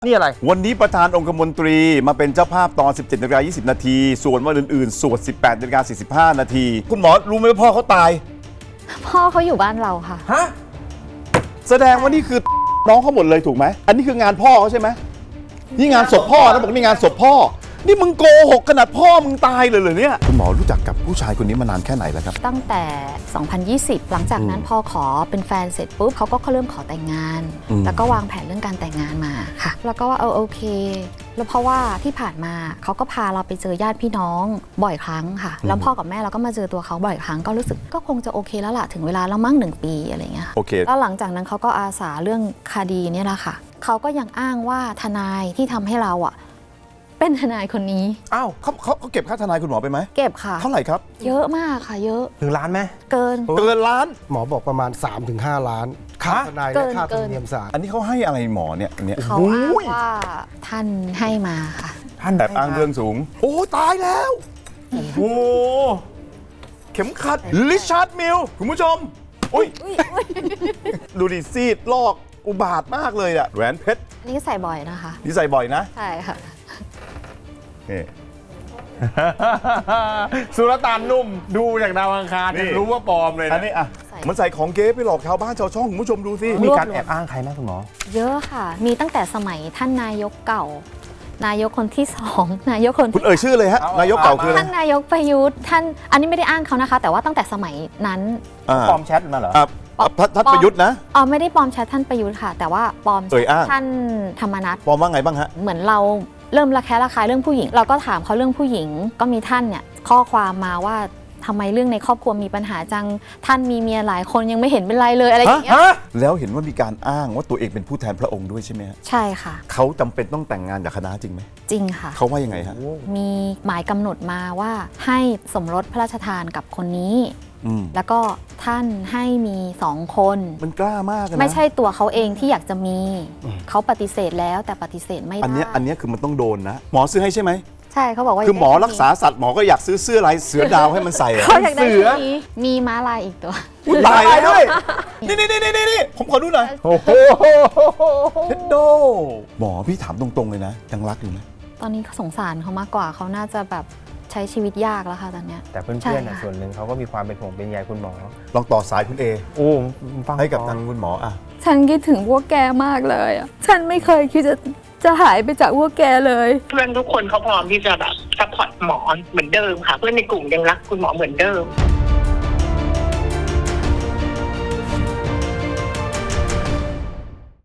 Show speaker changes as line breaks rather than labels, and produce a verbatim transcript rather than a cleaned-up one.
นี่อะไร
วันนี้ประธานองคมนตรีมาเป็นเจ้าภาพตอน สิบเจ็ดนาฬิกายี่สิบนาทีส่วนวันอื่นๆสวด สิบแปดนาฬิกาสี่สิบห้านาทีคุณหมอรู้ไหมว่าพ่อเขาตาย
พ่อเขาอยู่บ้านเราค่ะ
ฮะ
แสดงว่านี่คือน้องเขาหมดเลยถูกไหมอันนี้คืองานพ่อเขาใช่ไหมนี่งานศพพ่อนะบอกนี่งานศพพ่อนี่มึงโกหกขนาดพ่อมึงตายเลยเหรอเนี่ยคุณหมอรู้จักกับผู้ชายคนนี้มานานแค่ไหนแล้วครับ
ตั้งแต่ สองพันยี่สิบ หลังจากนั้นพอขอเป็นแฟนเสร็จปุ๊บเขาก็เริ่มขอแต่งงาน แล้วก็วางแผนเรื่องการแต่งงานมาค่ะ แล้วก็ว่าเออโอเค แล้วเพราะว่าที่ผ่านมาเขาก็พาเราไปเจอญาติพี่น้องบ่อยครั้งค่ะแล้วพ่อกับแม่เราก็มาเจอตัวเขาบ่อยครั้งก็รู้สึกก็คงจะโอเคแล้วล่ะถึงเวลาแล้วมั้งหนึ่งปีอะไรเงี้ย
โอเค
แล้วหลังจากนั้นเขาก็อาสาเรื่องคดีนี่แหละค่ะเขาก็ยังอ้างว่าทนายที่ทำให้เราอ่ะเป็นทนายคนนี้
อ้าวเขาเขาเขาเก็บค่าทนายคุณหมอไปไหม
เก็บค่ะ
เท่าไหร่ครับ
เยอะมากค่ะเยอะ
ถึงล้านไหม
เกิน
เกินล้าน
หมอบอกประมาณ สามถึงห้า ล้านค่าทนายและค่าธรรมเนียมศาล
อันนี้เขาให้อะไรหมอเนี่ยอันเนี้ย
เขาอ้างว่าท่านให้มาค่ะ
ท่าน
แบบอ้างเรื่องสูงโอ้ตายแล้วโอ้โหเข็มขัดริชาร์ดมิลคุณผู้ชมอุ้ยดูดิซีดลอกอุบาทมากเลยอะแหวนเพชร
นี่ใส่บ่อยนะคะ
นี่ใส่บ่อยนะ
ใช่ค่ะ
นี่
สุลต่านนุ่มดูจากดาวอังคารรู้ว่าปลอมเลยนะ
อันนี้อ่ะมันใส่ของเก๊ไปหลอกชาวบ้านชาวช่องคุณผู้ชมดูสิ
มีการแอบอ้างใครไหมคุณหมอ
เยอะค่ะมีตั้งแต่สมัยท่านนายกเก่านายกคนที่สองนายกคน
คุณเอ่ยชื่อเลยฮะนายกเก่าคือ
ท่านนายกประยุทธ์ท่านอันนี้ไม่ได้อ้างเขานะคะแต่ว่าตั้งแต่สมัยนั้น
ปลอมแชทมาเหรอ
ท่านประยุทธ์นะ
อ๋อไม่ได้ปลอมแชทท่านประยุทธ์ค่ะแต่ว่าปลอมท่านธรรมนัส
ปลอมว่าไงบ้างฮะ
เหมือนเราเริ่มระแคะระคายเรื่องผู้หญิงเราก็ถามเขาเรื่องผู้หญิงก็มีท่านเนี่ยข้อความมาว่าทำไมเรื่องในครอบครัวมีปัญหาจังท่านมีเมียหลายคนยังไม่เห็นเป็นไรเลยอะไรอย่างเงี้ย
แล้วเห็นว่ามีการอ้างว่าตัวเองเป็นผู้แทนพระองค์ด้วยใช่ไหมฮะ
ใช่ค่ะ
เขาจำเป็นต้องแต่งงานกับคณะจริงไหม
จริงค่ะ
เขาว่ายังไงฮะ
มีหมายกำหนดมาว่าให้สมรสพระราชทานกับคนนี้แล้วก็ท่านให้มีสองคน
มันกล้ามากนะ
ไม่ใช่ตัวเขาเองที่อยากจะมีเขาปฏิเสธแล้วแต่ปฏิเสธไม่ได้
อันนี้อันนี้คือมันต้องโดนนะหมอซื้อให้ใช่ไหม
ใช่เขาบอกว่า
คือหมอรักษาสัตว์หมอก็อยากซื้อเสื้อลายเสือดาวให้มันใส่
เขาอยากได้ชุดนี้มีม้าลายอีกตัว
ลายด้วยนี่นี่นี่นี่นี่ผมขอดูหน่อยโอ้โหเท็ดโดหมอพี่ถามตรงๆเลยนะยังรักอยู่ไหม
ตอนนี้สงสารเขามากกว่าเขาน่าจะแบบใช้ชีวิตยากแล้วค่ะตอนนี้
แต่เพื่อนๆส่วนหนึ่งเขาก็มีความเป็นห่วงเป็นใยคุณหมอ
ลองต่อสายคุณเอ
โอ้ฟัง
ให้กับทางคุณหมออ่ะ
ฉันคิดถึงพวกแกมากเลยอ่ะฉันไม่เคยคิดจะจะหายไปจากพวกแกเลย
เพื่อนทุกคนเขาพร้อมที่จะแบบซัพพอร์ตหมอเหมือนเดิมค่ะเพื่อนในกลุ่มยังรักคุณหมอเหมือนเดิม